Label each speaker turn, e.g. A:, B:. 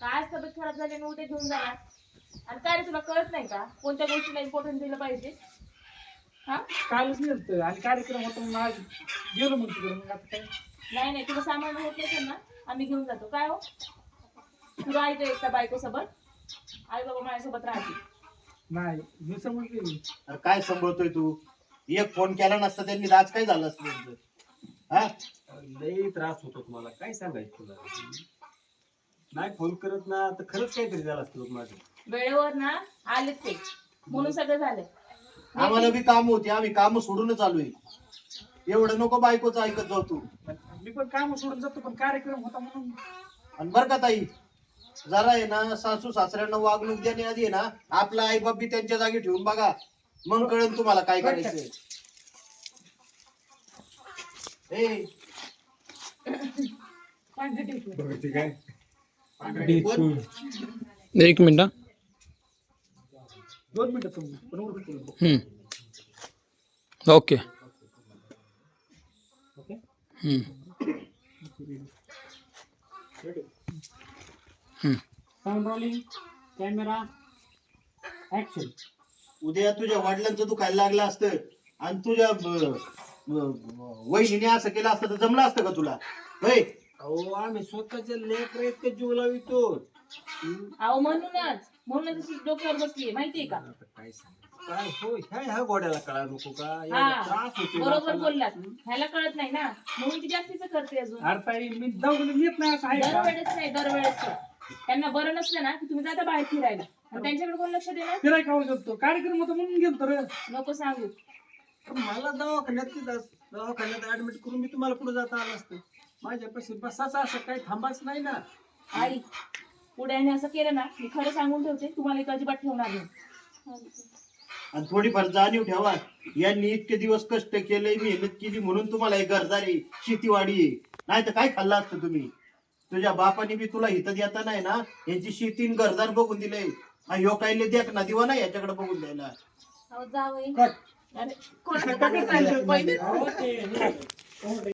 A: काय तब्येत खराब झाली आणि उद्या घेऊन जाणार. आणि काय रे तुला कळत नाही का कोणत्या गोष्टीला इम्पॉर्टन्स दिलं पाहिजे. हा
B: कालच नेलतं आणि कार्यक्रम होता म्हणून आज गेलो मग तिकडे. मग आता काय
A: नाही नाही तुला सामान होत नसेल ना आम्ही घेऊन जातो. काय हो तुला ऐकू एकटा बायको सोबत आई बाबा माझ्यासोबत राहते.
B: नाही मी समजले.
C: अरे काय सांभाळतोय तू? एक फोन केला नसता त्यांनी आज काय झालं असतं त्यांचं? हा
D: लई त्रास होतो तुम्हाला, काय सांगायचं तुला. नाही फोन करत ना तर खरंच काहीतरी झालं असतं बघ माझं.
A: वेळेवर ना आलेत ते म्हणून सगळं झालं.
C: आम्हाला बी काम होती, आम्ही काम सोडूनच आलोय. एवढं नको बायकोचं ऐकत जाऊ तू.
B: मी पण काम सोडून जातो पण कार्यक्रम होता म्हणून.
C: आणि बरं का ताई, जरा आहे ना सासू सासऱ्यांना वागणूक देण्याआधी आहे ना आपला आई बाप बी त्यांच्या जागी ठेवून बघा, मग कळेल तुम्हाला काय करायचंय. ए,
E: एक मिनिट हा.
B: 2 मिनिटं तुम्ही पण उरकतो.
E: Okay.
B: Okay sound rolling camera action.
C: उद्या तुझ्या वडिलांचं दुखायला लागलं असतं आणि तुझ्या वहिनीने असं केलं असतं तर जमलं असतं का तुला? होय,
D: अहो आम्ही स्वतःच्या लेकर इतके जीव लावितो.
A: अहो म्हणूनच अशी डोक्यावर बसलीये माहितीये का.
D: आता काय सांग काय हो, ह्या गोड्याला कळा नको का? एवढा
A: हा
D: त्रास होतो
A: बरोबर
D: बापाला.
A: बोललात. ह्याला कळत नाही ना म्हणून ती जास्तीच करते अजून.
B: अरे ताई मी दवाखान्यात येत नाही असं आहे का?
A: दरवेळेस त्यांना बरं नसलं ना की तुम्ही जाता बाहेर फिरायला आणि त्यांच्याकडे कोण लक्ष देणार.
B: फिराय खाऊ शकतो. कार्यक्रम होता म्हणून गेलो रे.
A: नको सांगू.
D: पण मला दवाखान्यात ऍडमिट करून मी तुम्हाला पुढे जाता आलं असतं. माझ्यापाशी बसाचं असं काही थांबाच नाही ना.
A: आई पुढे याने असं केलं ना मी खरं सांगून ठेवते तुम्हाला एक अजिबात ठेवणार नाही.
C: आणि थोडीफार जाणीव ठेवा. यांनी इतके दिवस कष्ट केले, मेहनत केली म्हणून तुम्हाला हे घरदारी शेतीवाडी आहे. नाही तर काय खाल्लं असतं तुम्ही? तुझ्या बापाने बी तुला हित देता नाही ना यांची शेती आणि घरदार बघून दिले. ह्यो काही देख ना दिवा ना याच्याकडे बघून द्यायला.
A: अरे कोणाचं काय चाललंय? पहिले